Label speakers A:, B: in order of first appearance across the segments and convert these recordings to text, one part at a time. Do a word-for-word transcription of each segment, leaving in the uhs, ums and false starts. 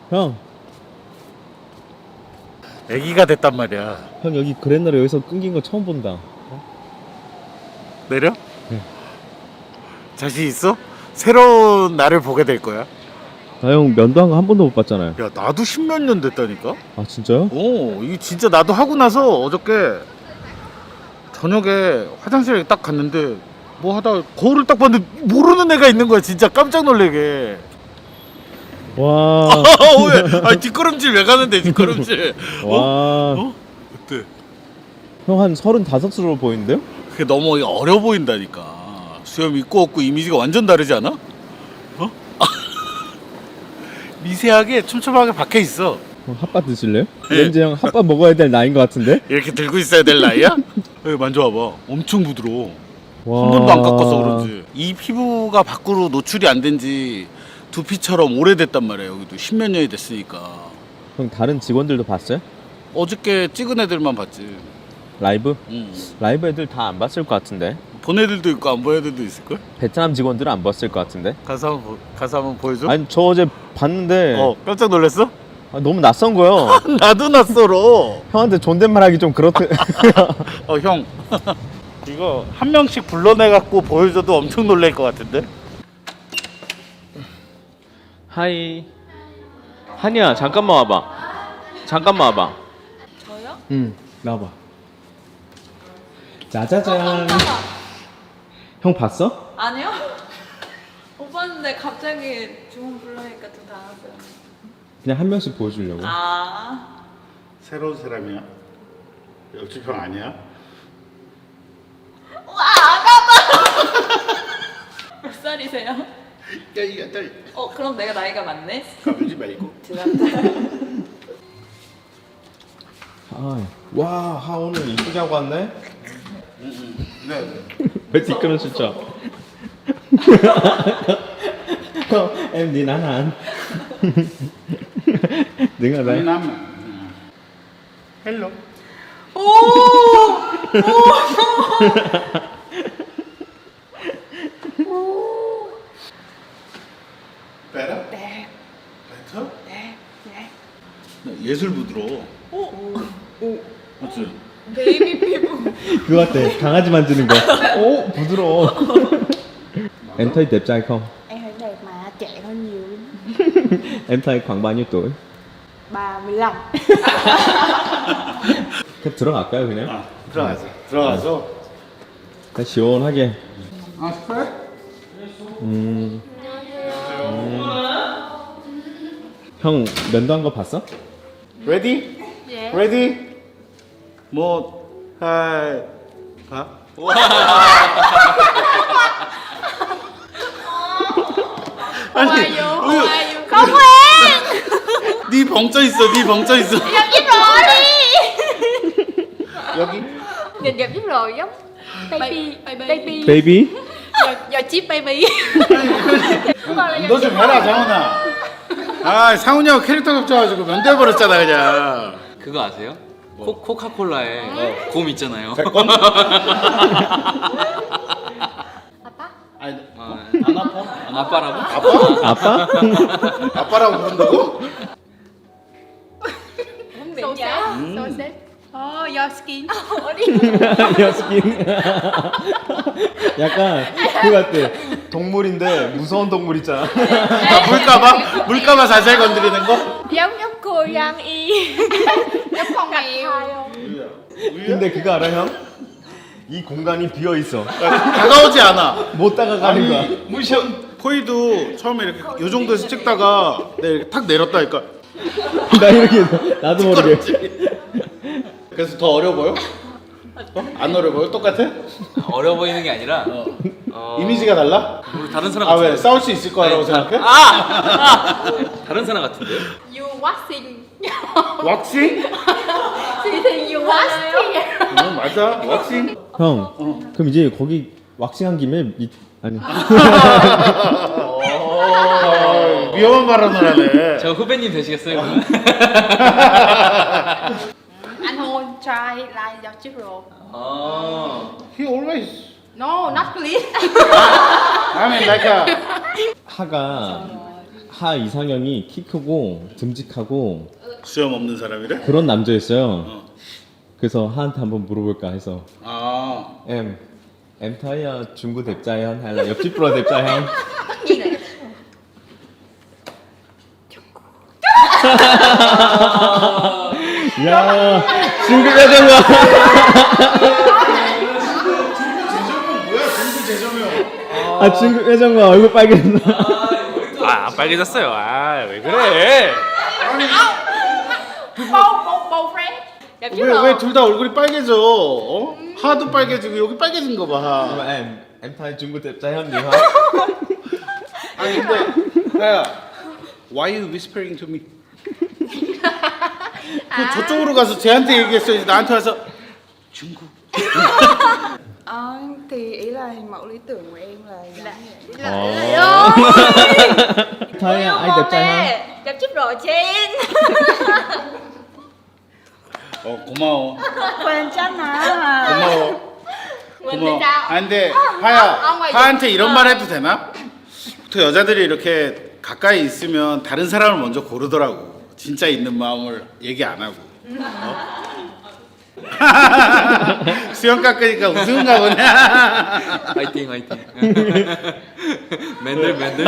A: 형,
B: 애기가 됐단 말이야.
A: 형 여기 그랜나루 여기서 끊긴 거 처음 본다.
B: 내려?
A: 네.
B: 자신 있어? 새로운 나를 보게 될 거야.
A: 나 형 면도 한 거 한 번도 못 봤잖아요.
B: 야, 나도 십몇 년 됐다니까?
A: 아 진짜요?
B: 오, 이게 진짜 나도 하고 나서 어저께 저녁에 화장실에 딱 갔는데 뭐 하다 거울을 딱 봤는데 모르는 애가 있는 거야. 진짜 깜짝 놀래게.
A: 와.
B: 왜? 아니, 뒷걸음질 왜 가는데, 뒷걸음질.
A: 와.
B: 어? 어? 어때?
A: 형 한 서른다섯으로 보이는데요?
B: 그게 너무 어려 보인다니까. 수염 있고 없고 이미지가 완전 다르지 않아? 어? 미세하게 촘촘하게 박혀 있어.
A: 형 핫바 드실래요?
B: 네.
A: 왠지 형 핫바 먹어야 될 나이인 것 같은데?
B: 이렇게 들고 있어야 될 나이야? 여기 만져봐봐. 엄청 부드러워.
A: 와.
B: 한 번도 안 깎아서 그런지. 이 피부가 밖으로 노출이 안 된 지 두피처럼 오래됐단 말이야. 여기도 십몇 년이 됐으니까.
A: 형 다른 직원들도 봤어요?
B: 어저께 찍은 애들만 봤지.
A: 라이브?
B: 응.
A: 라이브 애들 다 안 봤을 것 같은데?
B: 본 애들도 있고 안 본 애들도 있을걸?
A: 베트남 직원들은 안 봤을 것 같은데?
B: 가서 한번, 보- 가서 한번 보여줘?
A: 아니 저 어제 봤는데
B: 어, 깜짝 놀랐어?
A: 아, 너무 낯선 거요.
B: 나도 낯설어.
A: 형한테 존댓말 하기 좀 그렇대.
B: 어, 형. 이거 한 명씩 불러내갖고 보여줘도 엄청 놀랄 것 같은데?
A: 하이. 한이야 잠깐만 와봐. 잠깐만 와봐.
C: 저요?
A: 응 나와봐. 짜자잔.
C: 깜짝아.
A: 형 봤어?
C: 아니요? 못 봤는데 갑자기 주문 불러니까 좀 당황했어요.
A: 그냥 한 명씩 보여주려고.
C: 아.
B: 새로운 사람이야? 옆집 형 아니야?
C: 와, 아까봐! 몇 살이세요?
B: 야, 이거 딸
C: 어, 그럼 내가 나이가 많네?
B: 가보지 말고.
C: 제 남자.
A: 아, 와, 하 오늘 이쁘게 하고 왔네.
B: 네.
A: 왜 뒷걸음 진짜? em đi nán hả? Đứng ở đây.
B: 남. 헬로.
C: 오!
B: 베라?
C: 네.
B: 베터?
C: 네. 네.
B: 예술 부드러워.
C: 오! 오.
B: 맞지?
C: 베이비 피부.
A: 그거 같아. 강아지 만지는 거. 오, 부드러워. Em thấy đẹp trai không?
D: Em thấy đẹp mà trẻ hơn nhiều.
A: Em thấy khoảng bao nhiêu tuổi?
D: ba mươi lăm.
A: 그럼 들어갈까요 그냥?
B: 아, 들어가서. 들어가서.
A: 다 시원하게.
B: 아, 스프레?
A: 음. 음. 형 면도 한 거 봤어?
B: 레디?
D: 예.
B: 레디? 뭐, 하이, 봐? 아니, 우유,
D: Không quen.
B: 네 벙쪄 있어, 네 벙쪄 있어.
D: Gặp giúp rồi đi.
B: 여기?
D: Nhìn gặp giúp rồi giống baby
C: Baby.
D: baby.
A: 베이비?
D: Giờ giờ chip baby.
B: 너 좀 해라, 상훈아. 아, 상훈이하고 캐릭터 겹쳐가지고 면대버렸잖아, 그냥.
E: 그거 아세요? 코, 코카콜라에 곰 있잖아요.
B: 백건?
D: Apa?
B: 아니,
E: 어,
B: 안 아파?
E: 아빠라고?
B: 아빠?
A: 아빠?
B: 아빠라고 부른다고?
D: Không bị nhá. Sâu xếp. Oh, your skin.
A: 여스킨. 약간 그 같아. 동물인데 무서운 동물 있잖아.
B: 아, 물까봐? 물까봐 살살 건드리는 거?
D: Giống giống cô Giang Y. Giống con mèo.
A: 근데 그거 알아 형? 이 공간이 비어 있어.
B: 다가오지 않아.
A: 못 다가가는 거야.
B: 무시한 포이도 처음에 이렇게 요 정도에서 찍다가 내가 이렇게 탁 내렸다니까.
A: 나 이렇게 나도 모르게.
B: 그래서 더 어려 보여? 어? 안 어려 보여? 똑같아?
E: 어려 보이는 게 아니라
B: 어.
E: 어,
B: 이미지가 달라?
E: 우리 다른 사람
B: 아,
E: 같은데.
B: 왜? 싸울 수 있을 거라고
E: 아니,
B: 생각해?
E: 아! 아! 다른 사람 같은데?
D: You waxing.
B: 왁싱?
D: Thì thì you waxing.
B: 어, 맞아. 왁싱?
A: 형, 그럼 이제 거기 왁싱한 김에 이, 아니
B: 어, 위험한 발언을 하네.
E: 저 후배님 되시겠어요? 그러면?
D: Anh thôi try like your chip rồi.
E: 어.
B: He always.
D: No, not please.
B: I mean like a.
A: 하가 하 이상형이 키 크고 듬직하고
B: 수염 없는 사람이래?
A: 그런 남자였어요.
B: 어.
A: 그래서 하한테 한번 물어볼까 해서
B: 아
A: em em thấy uh, Trung đẹp trai không hay là 옆집 bro đẹp trai không? 야 중국 여자가
B: 뭐야 중구 재정형.
A: 아 중국 여자가 얼굴 빨개졌나?
E: 아, 안 빨개졌어요. 아, 왜 그래?
D: Bầu bầu bầu friend. Đẹp chứ
B: 왜
D: rồi.
B: 왜 둘 다 얼굴이 빨개져? 어? 하도 빨개지고 여기 빨개진 거 봐.
A: Nhưng mà em em thấy Trung đẹp trai hơn nhiều không?
B: 아니 근데 하야, why you whispering to me? 그 저쪽으로 가서 쟤한테 얘기했어야지 나한테 와서 중국.
F: Ờ, thì ý là hình mẫu lý tưởng của em là giống vậy.
A: Ồ. Thấy ai đẹp trai không?
D: Đẹp chứ rồi Chen.
B: 어 고마워.
F: 괜찮아.
B: 고마워.
D: Mình thì
B: 고마워.
D: sao?
B: 아 근데
D: 어,
B: 하야,
D: ngoài
B: 하한테
D: gì?
B: 이런
D: 어.
B: 말 해도 되나? 보통 여자들이 이렇게 가까이 있으면 다른 사람을 먼저 고르더라고. 진짜 있는 마음을 얘기 안 하고. 어? 수영 깎으니까 웃음가 보냐?
E: 화이팅, 화이팅. 맨들, 맨들.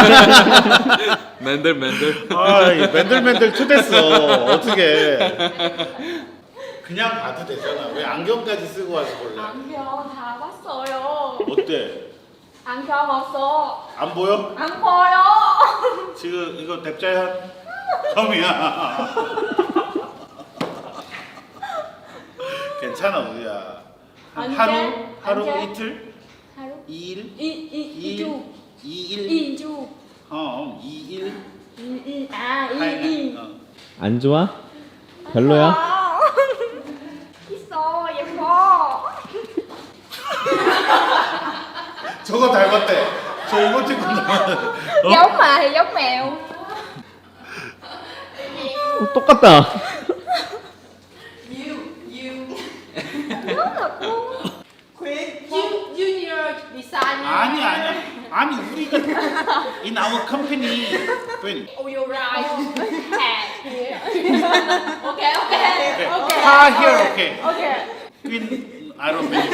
E: 맨들, 맨들.
B: 아, 이 맨들맨들 초됐어. 어떻게? 그냥 봐도 되잖아. 왜 안경까지 쓰고 와서 볼래?
C: 안경 다 봤어요.
B: 어때?
C: 안경 없어.
B: 안 보여?
C: 안 보여.
B: 지금 이거 뎁자현 처음이야. 괜찮아 우리야. 한
C: 안
B: 하루
C: 돼?
B: 하루
C: 안 돼?
B: 이틀
C: 하루
B: 이일
C: 이이 이주
B: 이일
C: 이주
B: 어 이일
C: 이이 아이이
B: 어.
A: 안 좋아? 별로야?
D: 있어 예뻐.
B: 저거 닮았대. 저 이모티콘 닮았대. 어?
D: Giống mà thì giống mèo.
A: 어, 똑같다.
D: Ju- Junior design.
B: 아니 아니야. 아니 우리가 in our company when
D: Oh you're right. Hat here. Okay okay okay.
B: 하 here okay.
D: Okay.
B: When I don't know.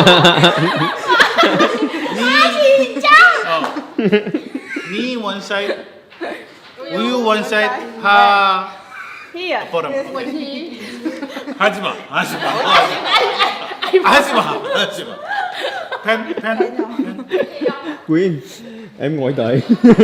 B: 어. 니 one side, 우유 one side, 하.
F: Here.
B: 버람.
D: Quỳnh Hi.
B: 하지 마, 하지 마, 하지 마, 하지 마. 펜, 펜.
A: Quyên, em ngồi đợi.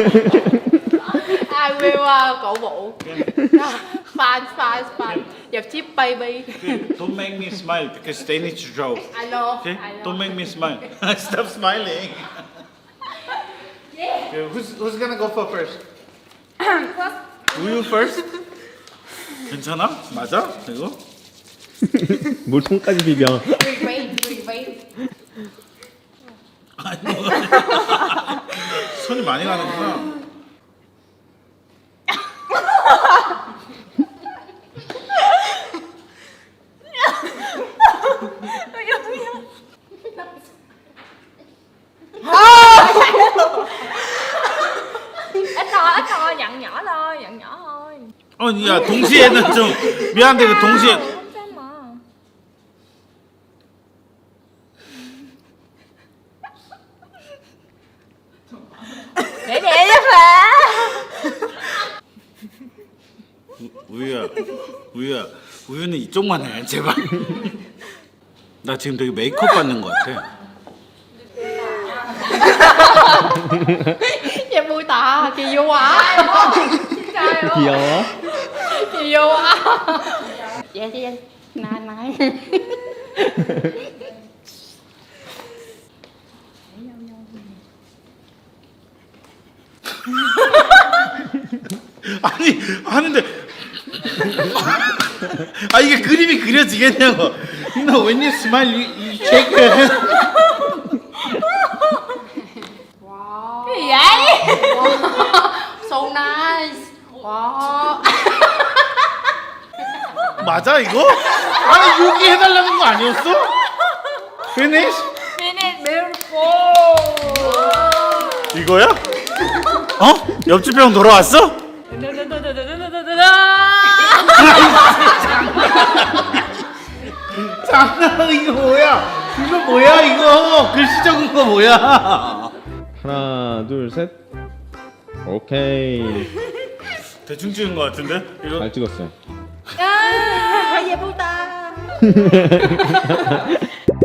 D: I will uh, cổ vũ. Fine fine fine. Dập chip baby.
B: Don't make me smile because they need to draw.
D: I know.
B: Okay?
D: I know.
B: Don't make me smile. Stop smiling. Okay, who's who's gonna go for first? 우유 first? 괜찮아? 맞아? 이거?
A: 뭘 손까지 비벼.
D: Revenge revenge.
B: 아니, 손이 많이 가는구나.
D: Ít thôi ít thôi dặn nhỏ thôi dặn nhỏ thôi.
B: 아니, 야 동시에는 좀 미안한데 그 동시에
D: Không sao mà. Để để đó mà.
B: 우유야, 우유야, 우유는 이쪽만 해, 제발. 나 지금 되게 메이크업 받는 것 같아.
D: Em vui tà kỳ vô à.
A: 귀여워.
D: Kỳ vô à. Vậy đi anh. Này này.
B: 아니 하는데 아 이게 그림이 그려지겠냐고. No, when you smile, you, you shake your head.
D: Cái gì vậy? So nice. Wow.
B: 맞아 이거? 아니 여기 해달라는 거 아니었어? Finish?
D: Finish beautiful.
B: 이거야? 어? 옆집 형 돌아왔어? 장난 이거 뭐야? 이거 뭐야 이거? 글씨 적은 거 뭐야?
A: 하나 둘 셋. 오케이.
B: 대충 찍은 거 같은데? 이거
A: 잘 찍었어요.
D: 아 예쁘다